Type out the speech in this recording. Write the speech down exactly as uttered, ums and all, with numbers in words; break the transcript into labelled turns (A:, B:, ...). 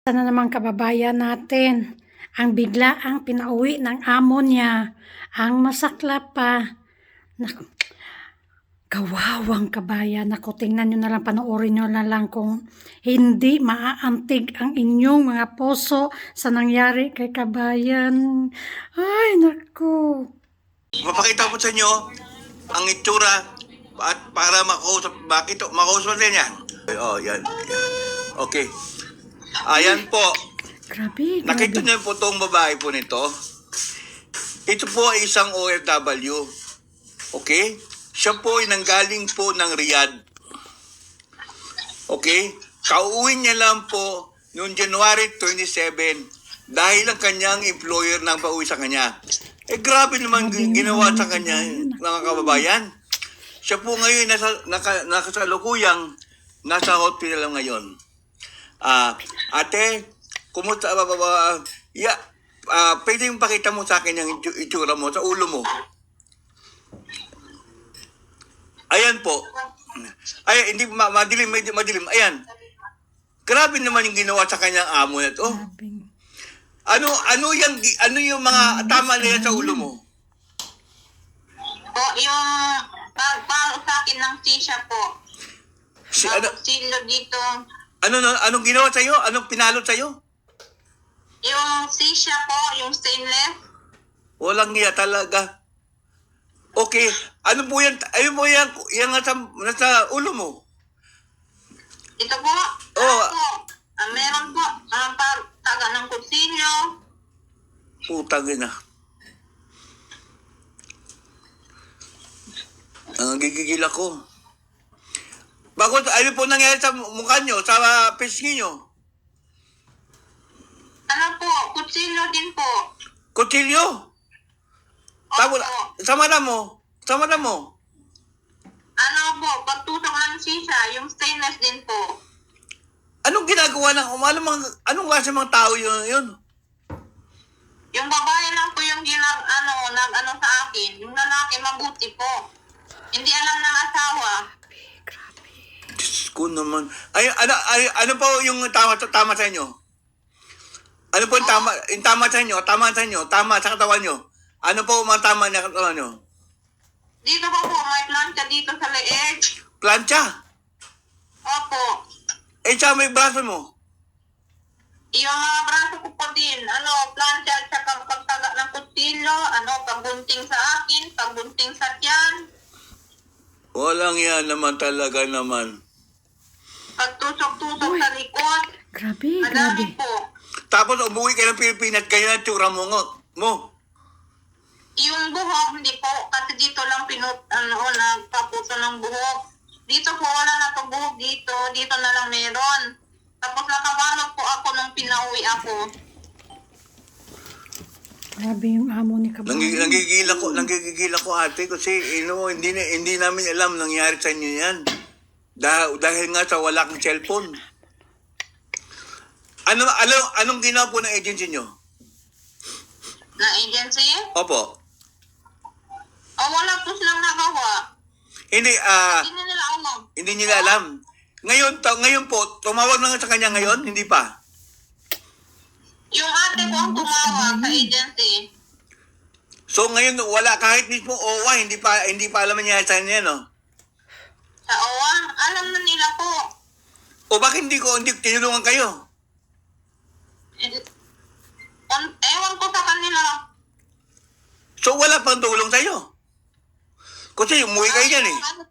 A: Sana naman kababayan natin, ang biglaang pinauwi ng amo niya, ang masaklap pa. Naku, kawawang kabayan. Naku, tingnan nyo na lang, panoorin nyo na lang kung hindi maaantig ang inyong mga puso sa nangyari kay kabayan. Ay, naku.
B: Mapakita ko sa inyo ang itsura at para makausap, bakit makausap din yan. Oh, yan. yan. Okay. Ayan po.
A: Grabe,
B: Nakita
A: grabe.
B: niyo po itong babae po nito. Ito po ay isang O F W. Okay? Siya po ay nanggaling po ng Riyadh. Okay? Kauwi niya lang po noong January twenty-seven dahil ang kanyang employer nang pauwi sa kanya. Eh grabe naman
A: Grabe
B: ginawa
A: naman,
B: sa kanya,
A: kababayan.
B: mga kababayan. Siya po ngayon nasa naka, nakasalukuyang nasa hospital ngayon. Ah, ate, kumusta ba ba? ba? Yeah, ah, pwede yung pakita mo sa akin yung itu- itsura mo sa ulo mo. Ayan po. Ay, hindi ma- madilim, medyo madilim. Ayan. Grabe naman yung ginawa sa kanyang amo na to.
A: Grabe.
B: Ano ano yung ano yung mga tama na yan sa ulo mo?
C: Po, yung pag paro sa akin ng sisya po.
B: Si ano
C: Silo dito.
B: ano ano- anong ginawa sa iyo? Anong pinalot sa iyo?
C: Yung sisya po, yung stainless.
B: Walang niya talaga. Okay, ano po yan? Ayun po yan, yan nasa, nasa ulo mo.
C: Ito po.
B: Oh.
C: ano po, ah, meron po. Uh, par, taga ng kutsilyo.
B: Putang ina. Ang gigigil ako. Bakit, ano po nangyari sa mukha nyo, sa pisngi nyo?
C: Ano po, kutsilyo din po.
B: Kutsilyo? Tapos,
C: Opo.
B: sa mata mo? Sa mata mo?
C: Ano po, pagtusok ng sisya, yung stainless din po.
B: Anong ginagawa ng, anong, mga, anong klase mga tao yun? yun?
C: Yung babae lang po yung ginag, ano, nag, ano sa akin. Yung lalaki, mabuti po. Hindi alam ng asawa.
B: Diyos ko naman. Ay, ano, ay, ano po yung tama, tama sa inyo? Ano po yung tama, yung tama sa inyo? Tama sa inyo? Tama sa katawan nyo? Ano po mga tama na katawan nyo?
C: Dito po po, may plancha dito sa leeg.
B: Plancha?
C: Opo.
B: Eh, sa may braso mo?
C: Yung mga braso ko po din, ano, plancha at saka pagtaga ng kutsilyo, ano, pagbunting sa akin, pagbunting sa tiyan,
B: Walang yan naman talaga naman.
C: pagtusok-tusok sa likod,
A: Grabe,
C: madami
A: grabe.
C: po.
B: Tapos umuwi ka ng Pilipinas, ganyan ang tsura mo. ngo- mo.
C: Yung buhok, hindi po, kasi dito lang pinut, ano, nagpapuso ng buhok. Dito po, wala na to buhok dito, dito na lang meron. Tapos nakabalot po ako nung pinauwi ako.
A: Grabe yung amo ni kabayan.
B: Nanggigil, nanggigil ako, nanggigil ako ate kasi you know, hindi, na- hindi namin alam nangyari sa inyo yan. Dahil, dahil nga sa wala kang cellphone. Ano, ano, anong ginawa po ng agency nyo?
C: Na agency?
B: Opo.
C: O wala po silang nagawa.
B: Hindi, ah,
C: Hindi na nila alam.
B: hindi nila alam. Ngayon, to, ngayon po, tumawag na nga sa kanya ngayon, hindi pa.
C: Yung ate ko ang tumawag sa agency.
B: So ngayon, wala, kahit mismo O W A, hindi pa, hindi pa alam niya sa inyo, no?
C: Sa O W A, alam na nila po.
B: O bakit hindi ko, hindi tinulungan kayo?
C: Eh, on- Ewan ko sa kanila.
B: So wala pang tulong sa'yo. Kasi umuwi kayo dyan eh.
C: Ano